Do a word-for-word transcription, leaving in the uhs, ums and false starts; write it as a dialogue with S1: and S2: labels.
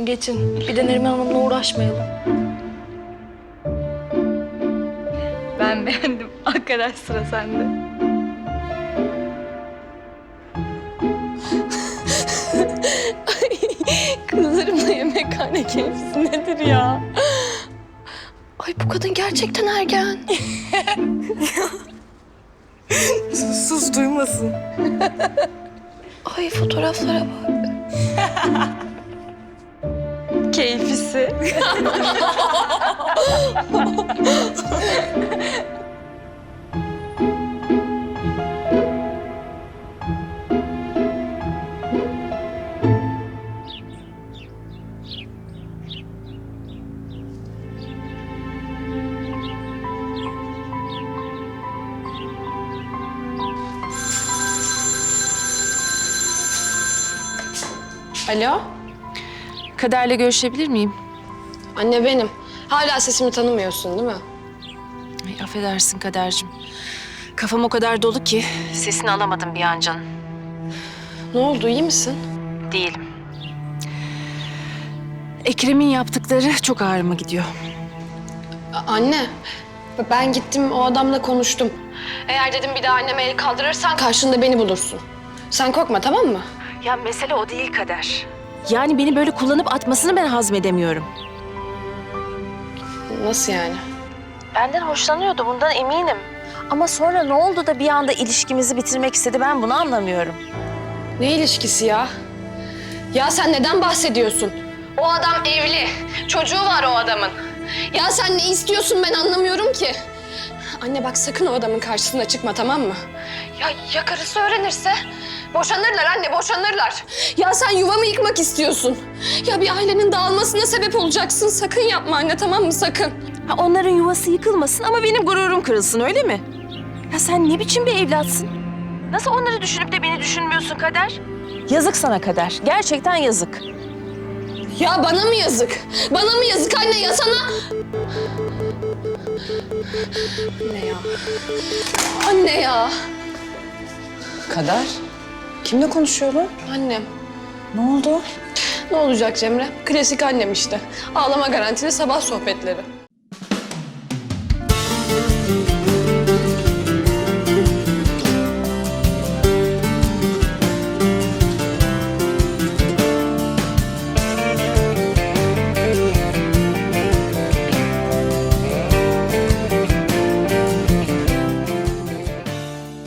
S1: geçin. Bir de Neriman Hanım'la uğraşmayalım. Ben beğendim. Arkadaş sıra sende.
S2: Kızlarımla yemekhane keyfisi nedir ya? Ay bu kadın gerçekten ergen.
S1: Sus, sus duymasın.
S2: Ay fotoğraflara bak.
S1: Keyfisi.
S2: Alo?
S3: Kader'le görüşebilir miyim?
S2: Anne benim. Hala sesimi tanımıyorsun değil mi?
S3: Ay, affedersin Kader'cim. Kafam o kadar dolu ki sesini alamadım bir an canım.
S2: Ne oldu, iyi misin?
S3: Değilim. Ekrem'in yaptıkları çok ağrıma gidiyor.
S2: A- anne, ben gittim o adamla konuştum. Eğer dedim bir daha anneme el kaldırırsan karşında beni bulursun. Sen korkma, tamam mı?
S3: Ya mesele o değil Kader. Yani beni böyle kullanıp atmasını ben hazmedemiyorum.
S2: Nasıl yani?
S3: Benden hoşlanıyordu, bundan eminim. Ama sonra ne oldu da bir anda ilişkimizi bitirmek istedi, ben bunu anlamıyorum.
S2: Ne ilişkisi ya? Ya sen neden bahsediyorsun? O adam evli. Çocuğu var o adamın. Ya sen ne istiyorsun ben anlamıyorum ki. Anne bak sakın o adamın karşısına çıkma, tamam mı? Ya ya karısı öğrenirse? Boşanırlar anne, boşanırlar. Ya sen yuvamı yıkmak istiyorsun. Ya bir ailenin dağılmasına sebep olacaksın. Sakın yapma anne, tamam mı? Sakın.
S3: Ha, onların yuvası yıkılmasın ama benim gururum kırılsın, öyle mi? Ya sen ne biçim bir evlatsın? Nasıl onları düşünüp de beni düşünmüyorsun Kader? Yazık sana Kader, gerçekten yazık.
S2: Ya bana mı yazık? Bana mı yazık anne ya sana? Anne ya. Anne ya.
S4: Kader, kimle konuşuyor bu?
S2: Annem.
S4: Ne oldu?
S2: Ne olacak Cemre? Klasik annem işte. Ağlama garantili sabah sohbetleri.